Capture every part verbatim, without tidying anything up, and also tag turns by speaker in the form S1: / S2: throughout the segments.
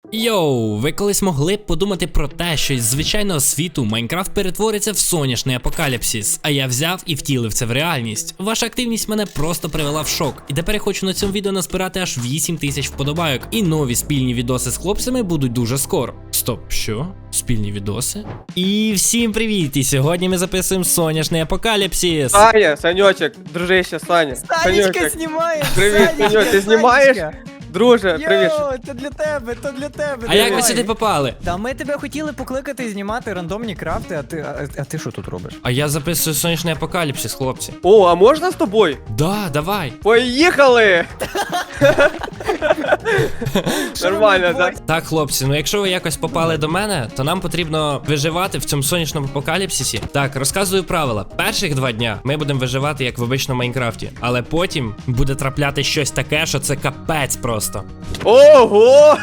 S1: Йоу, ви колись могли б подумати про те, що із звичайного світу Майнкрафт перетвориться в соняшний апокаліпсис, а я взяв і втілив це в реальність. Ваша активність мене просто привела в шок. І тепер я хочу на цьому відео назбирати аж вісім тисяч вподобайок. І нові спільні відоси з хлопцями будуть дуже скоро. Стоп, що? Спільні відоси? І всім привіт! І сьогодні ми записуємо соняшний апокаліпсис.
S2: Саня, Санечек, дружище, Саня.
S3: Санечка знімає!
S2: Привіт, Саньок, ти знімаєш? Друже, привіт.
S3: Йоу, то для тебе, то для тебе.
S1: А як ви
S3: давай.
S1: сюди попали?
S3: Та ми тебе хотіли покликати і знімати рандомні крафти, а ти, а, а ти що тут робиш?
S1: А я записую сонячний апокаліпсис, хлопці.
S2: О, а можна з тобою?
S1: Да, давай.
S2: Поїхали! Нормально, так?
S1: Так, хлопці, ну якщо ви якось попали до мене, то нам потрібно виживати в цьому сонячному апокаліпсисі. Так, розказую правила. Перших два дня ми будемо виживати як в обичному Майнкрафті, але потім буде трапляти щось таке, що це капець просто.
S2: Ого!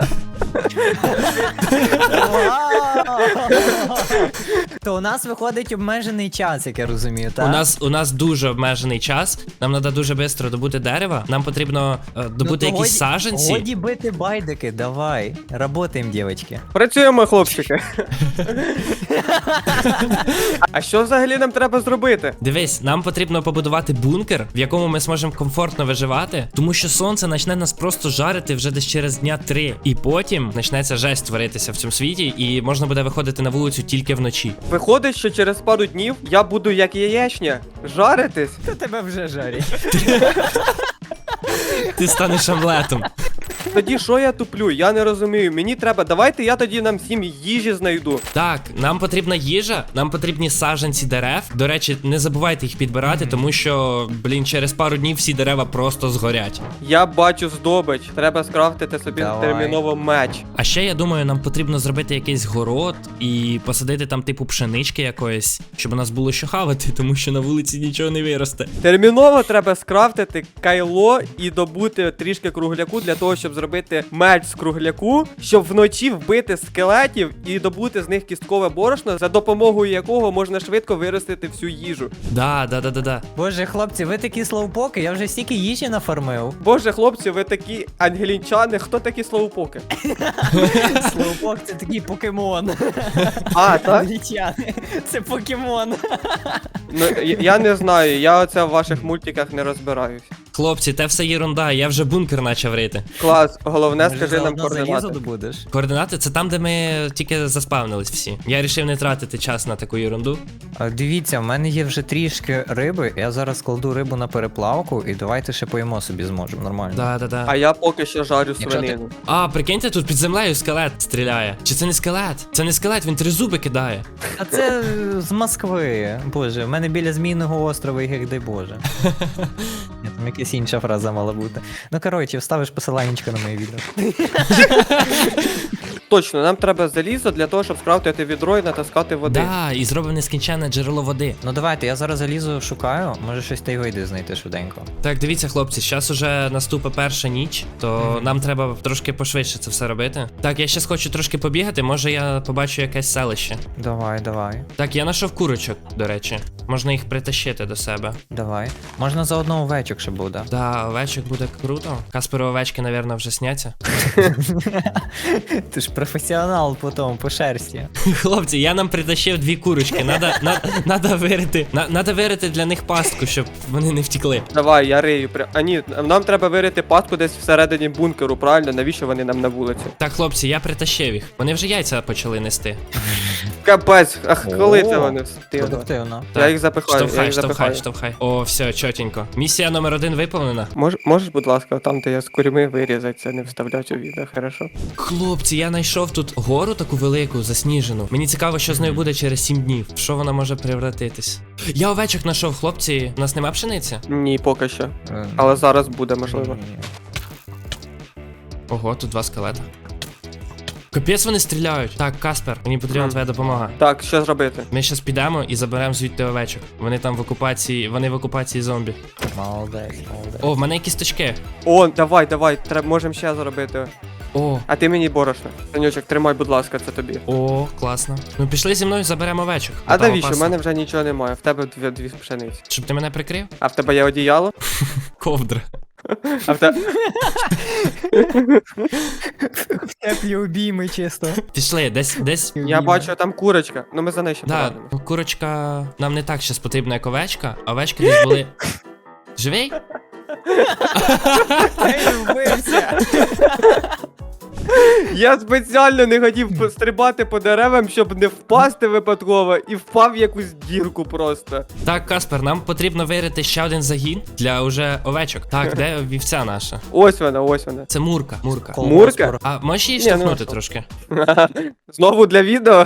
S3: То у нас виходить обмежений час, як я розумію, так?
S1: У нас у нас дуже обмежений час. Нам треба дуже швидко добути дерева. Нам потрібно е, добути
S3: Ну,
S1: якісь
S3: годі-
S1: саджанці.
S3: Годі бити байдики, давай. Работаємо, дівчатки.
S2: Працюємо, хлопчики. А що взагалі нам треба зробити?
S1: Дивись, нам потрібно побудувати бункер, в якому ми зможемо комфортно виживати, тому що сонце почне нас просто жарити вже десь через дня три. І потім почнеться жесть творитися в цьому світі, і можна буде виходити на вулицю тільки вночі.
S2: Виходить, що через пару днів я буду як яєчня жаритись.
S3: То тебе вже жарять.
S1: Ти станеш омлетом.
S2: Тоді що я туплю? Я не розумію. Мені треба. Давайте я тоді нам всім їжі знайду.
S1: Так, нам потрібна їжа, нам потрібні саджанці дерев. До речі, не забувайте їх підбирати, тому що, блін, через пару днів всі дерева просто згорять.
S2: Я бачу здобич. Треба скрафтити собі
S3: Давай.
S2: терміново меч.
S1: А ще я думаю, нам потрібно зробити якийсь город і посадити там типу пшенички якоїсь, щоб у нас було що хавати, тому що на вулиці нічого не виросте.
S2: Терміново треба скрафтити кайло і добути трішки кругляку для того, щоб зробити меч з кругляку, щоб вночі вбити скелетів і добути з них кісткове борошно, за допомогою якого можна швидко виростити всю їжу.
S1: Да, да, да, да, да.
S3: Боже, хлопці, ви такі слоупоки, я вже стільки їжі нафармив.
S2: Боже, хлопці, ви такі ангелінчани, хто такі слоупоки?
S3: Слоупок це такий покемон.
S2: А, так?
S3: Лічани. Це покемон.
S2: Ну, я- я не знаю, я оце в ваших мультиках не розбираюсь.
S1: Хлопці, те все єрунда, я вже бункер почав рити.
S2: Клас, головне,
S3: Може,
S2: скажи нам
S3: заодно залізо
S2: координати.
S3: добудеш?
S1: Координати це там, де ми тільки заспавнились всі. Я вирішив не тратити час на таку ерунду.
S3: А, Дивіться, в мене є вже трішки риби, я зараз кладу рибу на переплавку і давайте ще поїмо собі зможемо, нормально.
S1: Да, да, да.
S2: А я поки що жарю
S3: Якщо ти-
S2: свинину.
S1: А, прикиньте, тут під землею скелет стріляє. Чи це не скелет? Це не скелет, він три зуби кидає.
S3: А це е, з Москви. Боже, в мене біля Змійного острова, як дай Боже. Ні, там якась інша фраза мала бути. Ну коротше, вставиш посиланнячко на моє відео.
S2: Точно, нам треба залізо для того, щоб скрафтити відро і натаскати води.
S1: Да, і зробив нескінченне джерело води.
S3: Ну давайте, я зараз залізу, шукаю, може щось та й вийде знайти швиденько.
S1: Так, дивіться, хлопці, зараз уже наступить перша ніч, то нам треба трошки пошвидше це все робити. Так, я щас хочу трошки побігати, може я побачу якесь селище.
S3: Давай, давай,
S1: Так, я знайшов курочок, до речі. Можна їх притащити до себе.
S3: давай. Можна заодно овечок ще буде.
S1: Да, овечок буде круто. Касперу овечки, напевно, вже сняться.
S3: Ти ж професіонал по тому, по шерсті.
S1: Хлопці, я нам притащив дві курочки. Надо, на, надо вирити. На, надо вирити для них пастку, щоб вони не втекли.
S2: Давай, я рию. пря- А ні, нам треба вирити пастку десь всередині бункеру, правильно? Навіщо вони нам на вулиці?
S1: Так, хлопці, я притащив їх. Вони вже яйця почали нести.
S2: Капець, ах, коли
S3: О,
S2: це вони встигли?
S3: Продуктивно.
S2: Я їх запихаю, я
S1: Штовхай,
S2: їх
S1: штовхай,
S2: запихаю.
S1: штовхай. О, все, чотенько. Місія номер один виповнена.
S2: Мож, можеш, будь ласка, там, де я з курми вирізати, це не вставляти у відео, хорошо?
S1: Хлопці, я знайшов тут гору таку велику, засніжену. Мені цікаво, що з нею буде через сім днів. В що вона може превратитись? Я овечок знайшов, хлопці. У нас нема пшениці?
S2: Ні, поки що.
S3: Е,
S2: Але зараз буде, можливо.
S3: ні-ні-ні.
S1: Ого, тут два скелета. Капець вони стріляють. Так, Каспер, мені потрібна
S2: Мгм.
S1: твоя допомога.
S2: Так, що зробити?
S1: Ми щас підемо і заберемо звідти овечок. Вони там в окупації, вони в окупації зомбі.
S3: Молодець, молодець.
S1: О, в мене є кісточки.
S2: О, давай, давай, треба, можемо ще зробити.
S1: О,
S2: А ти мені борошно. Санючок, тримай, будь ласка, це тобі.
S1: о, класно. Ну пішли зі мною, заберемо овечок.
S2: А
S1: Там
S2: навіщо? У
S1: опасно.
S2: мене вже нічого немає. В тебе дві, дві пшениці.
S1: Щоб ти мене прикрив?
S2: А в тебе є одіяло?
S1: Ковдра.
S2: А в те...
S3: Теплі обійми, чисто.
S1: Пішли, десь, десь.
S2: Я бачу, там курочка. Ну ми за нею ще
S1: Да,
S2: порадимо.
S1: ну, курочка нам не так щас потрібна, як овечка, а овечки десь були. Живий?
S3: Ей, вбився.
S2: Я спеціально не хотів пострибати по деревам, щоб не впасти випадково, і впав в якусь дірку просто.
S1: Так, Каспер, нам потрібно вирити ще один загін для уже овечок. Так, де вівця наша?
S2: Ось вона, ось вона.
S1: Це Мурка. Мурка.
S2: Мурка?
S1: А можеш її
S2: Ні, ну,
S1: штовхнути
S2: що?
S1: трошки?
S2: Знову для відео.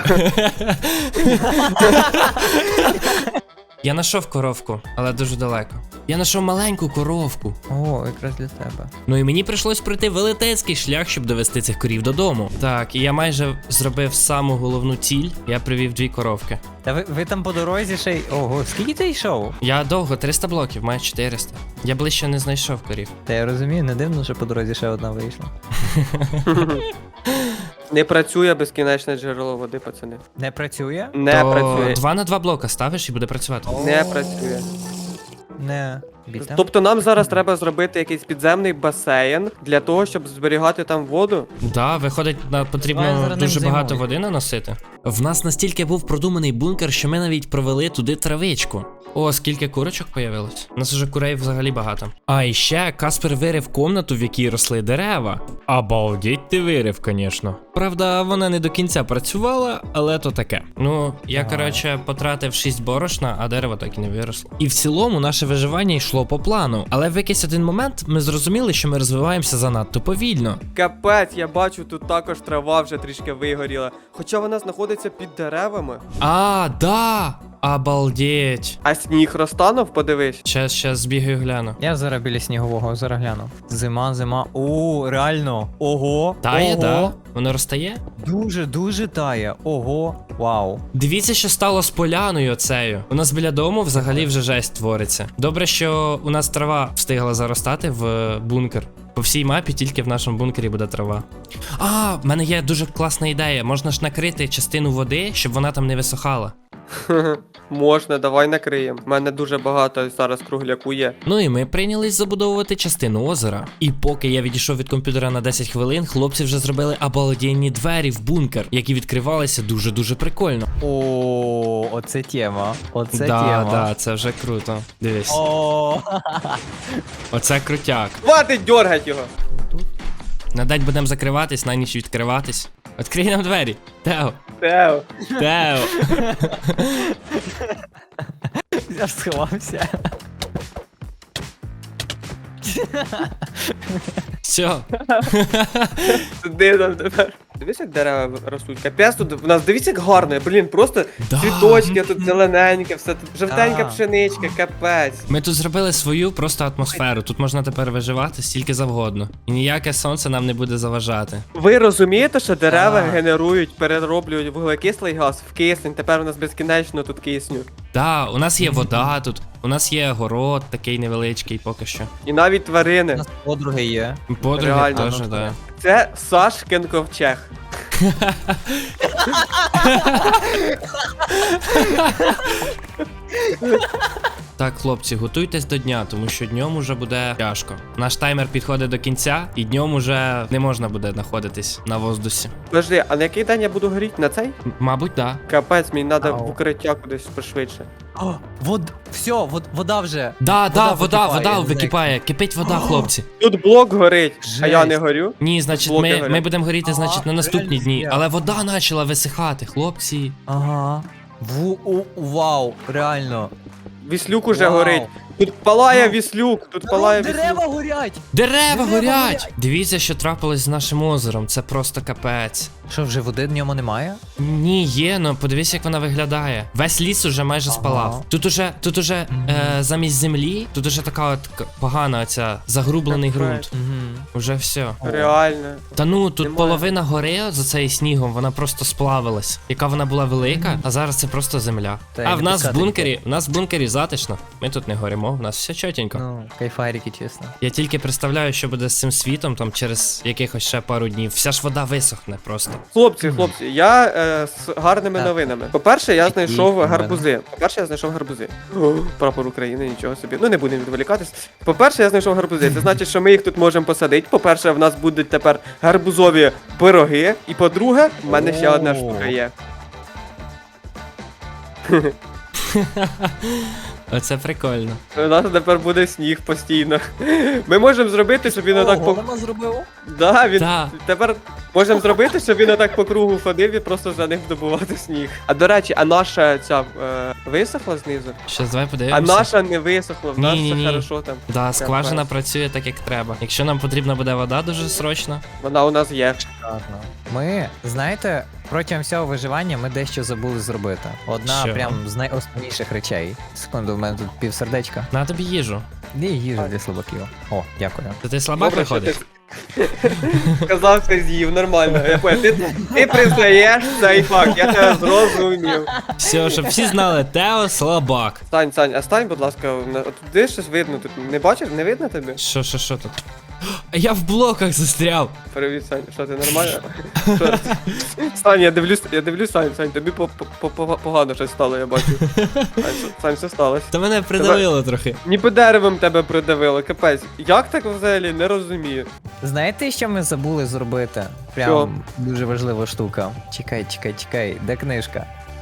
S1: Я знайшов коровку, але дуже далеко. Я знайшов маленьку коровку.
S3: О, якраз для тебе.
S1: Ну і мені прийшлось пройти велетенський шлях, щоб довести цих корів додому. Так, і я майже зробив саму головну ціль. Я привів дві коровки.
S3: Та ви, ви там по дорозі ще й. Ого, скільки ти йшов?
S1: Я довго, триста блоків, маю чотириста. Я ближче не знайшов корів.
S3: Та я розумію, не дивно, що по дорозі ще одна вийшла.
S2: Не працює безкінечне джерело води, пацани.
S3: Не працює?
S2: Не
S1: То
S2: працює.
S1: два на два блока ставиш і буде працювати.
S2: Не працює.
S3: Не. Біта.
S2: Тобто нам зараз треба зробити якийсь підземний басейн для того, щоб зберігати там воду.
S1: Да, виходить, на
S3: Давай
S1: потрібно
S3: зараз
S1: дуже
S3: ним
S1: багато
S3: займусь.
S1: води наносити. В нас настільки був продуманий бункер, що ми навіть провели туди травичку. О, скільки курочок появилось. У нас уже курей взагалі багато. А і ще Каспер вирив комнату, в якій росли дерева. Обалдеть ти вирив, звісно. Правда, вона не до кінця працювала, але то таке. Ну, я,
S3: Ага.
S1: коротше, потратив шість борошна, а дерево так і не виросло. І в цілому наше виживання йшло по плану. Але в якийсь один момент ми зрозуміли, що ми розвиваємося занадто повільно.
S2: Капець, я бачу, тут також трава вже трішки вигоріла. Хоча вона знаходиться під деревами.
S1: А, да! Обалдеть.
S2: А сніг розтанув, подивись.
S1: Щас, щас збігаю гляну.
S3: Я зараз біля снігового, зараз гляну. Зима, зима. О, реально. Ого.
S1: Тає,
S3: Ого.
S1: да? Воно розтає?
S3: Дуже, дуже тає. Ого. Вау.
S1: Дивіться, що стало з поляною оцею. У нас біля дому взагалі вже жесть твориться. Добре, що у нас трава встигла заростати в бункер. По всій мапі тільки в нашому бункері буде трава. А, в мене є дуже класна ідея. Можна ж накрити частину води, щоб вона там не висохала.
S2: Можна, давай накриємо. У мене дуже багато зараз кругляку є.
S1: Ну і ми прийнялись забудовувати частину озера. І поки я відійшов від комп'ютера на десять хвилин, хлопці вже зробили обалденні двері в бункер, які відкривалися дуже-дуже прикольно.
S3: О, оце тема. Оце
S1: да,
S3: тема.
S1: да, це вже круто. Дивись.
S3: О,
S1: Оце крутяк.
S2: Хватить дьоргать його!
S1: На день будемо закриватись, на ніч відкриватись. Відкрий нам двері. Тео.
S2: Тео.
S1: Тео.
S3: я ж сховався.
S1: Все.
S2: Сиди там тепер. Дивись, як дерева ростуть. Капець тут в нас, дивіться, як гарно. Блін, просто
S1: Да.
S2: цвіточки, тут зелененьке, все тут жовтенька
S3: Да.
S2: пшеничка, капець.
S1: Ми тут зробили свою просто атмосферу. Тут можна тепер виживати стільки завгодно. І ніяке сонце нам не буде заважати.
S2: Ви розумієте, що дерева
S3: Так.
S2: генерують, перероблюють вуглекислий газ в кисень, тепер у нас безкінечно тут кисню.
S1: Да, у нас є вода тут, у нас є город такий невеличкий поки що.
S2: І навіть
S3: У
S2: тварини.
S3: нас подруги є.
S1: Подруги
S2: Реально,
S1: теж,
S3: ну,
S1: да.
S2: Це Сашкин ковчег.
S1: Так, хлопці, готуйтесь до дня, тому що днем уже буде тяжко. Наш таймер підходить до кінця, і днем уже не можна буде знаходитись на воздусі.
S2: Подожди, а на який день я буду горіти? На цей?
S1: М- Мабуть, да.
S2: Капець, мені треба
S3: Ау.
S2: в укриття кудись пошвидше.
S3: О, вод... Все, вод... вода вже.
S1: Да, да, вода,
S3: википає,
S1: вода
S3: я не знаю,
S1: википає, кипить вода, хлопці.
S2: Тут блок горить, а я
S3: Жесть.
S2: не горю.
S1: Ні, значить,
S2: Блоки
S1: ми,
S2: горять.
S1: ми будемо горіти,
S3: Ага,
S1: значить, на наступні
S3: реально
S1: дні.
S3: фігня.
S1: Але вода почала висихати, хлопці.
S3: Ага. Ву, у, вау, реально.
S2: Віслюк уже
S3: Вау.
S2: горить. Тут палає
S3: Вау.
S2: віслюк, тут палає
S3: Дерева
S2: віслюк.
S3: горять!
S1: Дерева
S3: Дерева
S1: горять!
S3: горять!
S1: Дивіться, що трапилось з нашим озером. Це просто капець.
S3: Що, вже води в ньому немає?
S1: Ні, є, ну подивись, як вона виглядає. Весь ліс уже майже
S3: Ага.
S1: спалав. Тут уже, тут уже
S3: Мгм.
S1: е, замість землі, тут уже така от к- погана оця загрублений
S2: Капець.
S1: ґрунт.
S3: Угу.
S1: Уже все.
S2: Реально.
S1: Та ну, тут
S2: Немає.
S1: половина гори за цей снігом, вона просто сплавилась. Яка вона була велика, а зараз це просто земля.
S3: Та
S1: а
S3: й
S1: в
S3: не
S1: нас в
S3: пускати
S1: бункері, в нас в бункері затишно. Ми тут не горимо. живемо, у нас все чотенько.
S3: Ну, кайфарики, чесно.
S1: Я тільки представляю, що буде з цим світом, там через якихось ще пару днів. Вся ж вода висохне просто.
S2: Хлопці, хлопці, я е, з гарними
S3: Так.
S2: новинами. По-перше, я
S3: Які
S2: знайшов
S3: новини?
S2: гарбузи. По-перше, я знайшов гарбузи. О, прапор України, нічого собі. Ну не будемо відволікатись. По-перше, я знайшов гарбузи. Це значить, що ми їх тут можемо посадити. По-перше, в нас будуть тепер гарбузові пироги. І по-друге, в мене ще одна
S3: О.
S2: штука є.
S1: Оце прикольно.
S2: У нас тепер буде сніг постійно. Ми можемо зробити, щоб він отак по.
S3: голема зробив?
S2: Да, він
S1: Да.
S2: тепер можемо зробити, щоб він отак по кругу ходив і просто за ним добувати сніг. А до речі, а наша ця е, висохла знизу?
S1: Щас давай
S2: А
S1: подивимося.
S2: наша не висохла, в нас все
S1: Ні-ні-ні.
S2: хорошо там.
S1: Да, скважина
S2: клас.
S1: працює так, як треба. Якщо нам потрібна буде вода дуже срочно.
S2: Вона у нас є.
S3: Ладно. Ми, знаєте, протягом всього виживання ми дещо забули зробити. Одна
S1: Що?
S3: прям з найосновніших речей. Секунду, в мене тут півсердечка.
S1: На тобі їжу.
S3: Де їжа для слабаків? О, дякую.
S1: То ти слабак
S2: Добре, що
S1: виходиш?
S2: ти сказав, ти з'їв, нормально. Я понял. Ти, ти признаєш цей факт, я тебе зрозумів.
S1: Все, щоб всі знали, Тео слабак.
S2: Стань, Сань, а стань, будь ласка, на- от туди щось видно, тут не бачиш, не видно тобі?
S1: Що, що, що тут? А я в блоках застряв.
S2: Привіт, Сань, що ти нормально? Що ти? Сань, я дивлюсь, я дивлюсь, Сань, Сань, тобі по- по- по- погано щось стало, я бачу. Сань, що- Сань, що сталося?
S1: Та мене придавило трохи.
S2: Ніби деревом тебе придавило, капець. Як так взагалі, не розумію.
S3: Знаєте, що ми забули зробити? Прям
S2: Що?
S3: дуже важлива штука. Чекай, чекай, чекай, де книжка?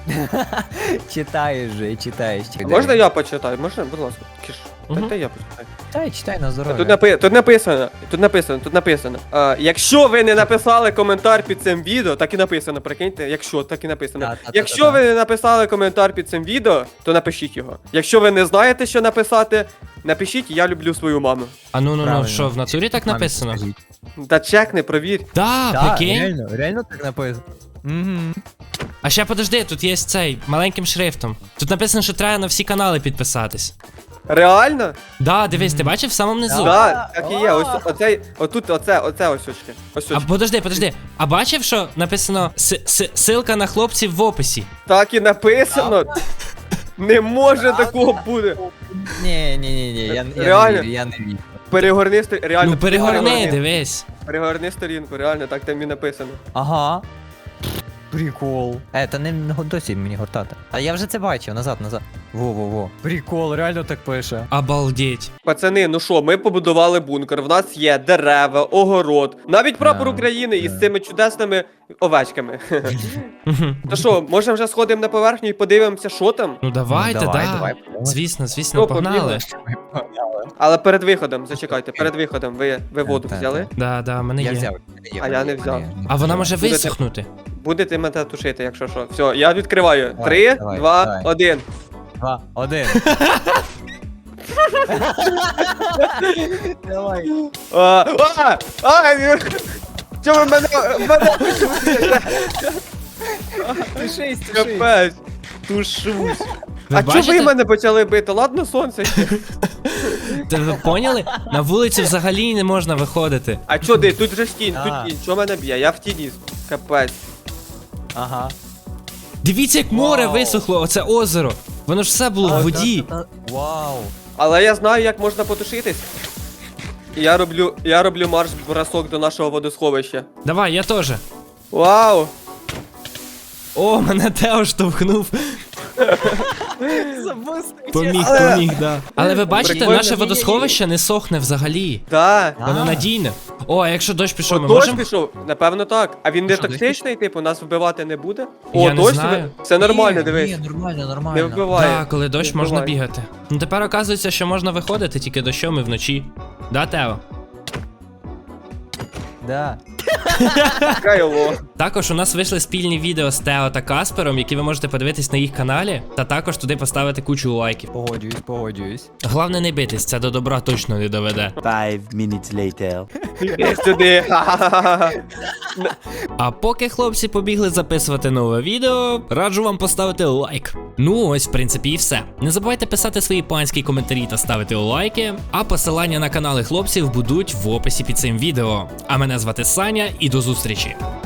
S3: Читаєш же, читаєш.
S2: А
S3: чекай.
S2: можна я почитаю? Можна, будь ласка? Кіш.
S1: Мгм.
S2: Дайте я почитаю.
S3: Читай, читай на
S2: Тут,
S3: здоров'я.
S2: напи... тут написано, тут написано, тут написано. А, якщо ви не написали коментар під цим відео, так і написано, прикиньте, якщо так і написано.
S3: Та-та-та-та-та.
S2: Якщо ви не написали коментар під цим відео, то напишіть його. Якщо ви не знаєте, що написати, напишіть я люблю свою маму.
S1: А ну ну ну,
S3: Правильно.
S1: що, в натурі так
S3: Мамі
S1: написано?
S3: скажіть.
S2: Та чекни, провір.
S1: Да,
S3: Так,
S1: прикинь.
S3: реально, реально так написано. Угу.
S1: А ще подожди, тут є цей маленьким шрифтом. Тут написано, що треба на всі канали підписатись.
S2: Реально?
S1: Да, дивись, ти бачив в самому низу.
S2: Так, так і є. Ось оцей, отут, оце, оце ось очки. Ось
S1: А
S2: очки.
S1: подожди, подожди. А бачив, що написано с- с- ссылка на хлопців в описі?
S2: Так і написано. Не може такого бути.
S3: Ні, ні, ні, ні, я, я не
S2: Реально?
S3: вірю, я не вірю.
S2: Перегорни сторінку, реально.
S1: Ну перегорни, дивись.
S2: Перегорни сторінку, реально, так там і написано.
S3: Ага. Прикол. Е, та не не досі мені гортати. А я вже це бачив, назад, назад. Во-во-во. Прикол, реально так пише.
S1: Обалдеть.
S2: Пацани, ну що, ми побудували бункер, в нас є дерева, огород, навіть прапор
S3: Да,
S2: України із
S3: да.
S2: цими чудесними овечками.
S1: Мгм.
S2: То що, може вже сходимо на поверхню і подивимося, що там?
S1: Ну давайте,
S3: Ну, давай,
S1: да.
S3: давай, давай.
S1: Звісно, звісно,
S2: Ну,
S1: погнали.
S2: побігли. Але перед виходом, зачекайте, перед виходом ви, ви воду
S3: Та, та,
S2: взяли?
S1: Да, да, в мене
S3: Я
S1: є.
S3: взяв.
S2: А я не взяв.
S1: А вона може
S2: Будете-
S1: висохнути.
S2: Будете мене тушити, якщо що. Все, я відкриваю.
S3: Давай,
S2: Три,
S3: давай,
S2: два,
S3: давай.
S2: один.
S3: Два, один. Давай.
S2: А, а, а, ні. Чому ви мене, мене
S3: Тушись,
S2: капець, тушусь.
S1: Ви
S2: А чого ви
S1: бачите?
S2: мене почали бити? Ладно, сонце ще.
S1: Та ви поняли? На вулицю взагалі не можна виходити.
S2: А чо ти? Тут же стінь,
S3: А.
S2: тут тінь. Чого мене б'є? Я в тіні. Капець.
S3: Ага.
S1: Дивіться, як море
S3: Вау.
S1: висохло, оце озеро. Воно ж все було в воді.
S3: Вау.
S2: Але я знаю, як можна потушитись. І я роблю, я роблю марш-бросок до нашого водосховища.
S1: Давай, я теж.
S2: Вау!
S1: О, мене Тео штовхнув. Поміг,
S2: Але-
S1: поміг, да. Але ви бачите,
S2: Прикольно.
S1: наше водосховище не сохне взагалі.
S2: Да.
S1: Воно
S3: А.
S1: надійне. О, а якщо дощ пішов, ми
S2: О, дощ
S1: можемо.
S2: пішов? Напевно так. А він не
S3: Що, дощ
S2: токсичний, типу, нас вбивати не буде?
S1: Я
S2: О,
S1: не
S2: дощ?
S1: знаю.
S2: Це нормально,
S3: Ні,
S2: дивись.
S3: Ні, нормально,
S2: Не
S3: нормально.
S2: вбиває.
S1: Так, коли дощ
S2: Не
S1: можна
S2: вбиває.
S1: бігати. Ну тепер оказується, що можна виходити тільки дощом і вночі. Да, Тео?
S3: Да.
S2: Кайло.
S1: Також у нас вийшли спільні відео з Тео та Каспером, які ви можете подивитись на їх каналі, та також туди поставити кучу лайків.
S3: Погоджуюсь, погоджуюсь.
S1: Головне не битись, це до добра точно не доведе.
S4: Five minutes later.
S2: Іди сюди. Ха-ха-ха.
S1: А поки хлопці побігли записувати нове відео, раджу вам поставити лайк. Ну ось, в принципі, і все. Не забувайте писати свої панські коментарі та ставити лайки, а посилання на канали хлопців будуть в описі під цим відео. А мене звати Саня і до зустрічі.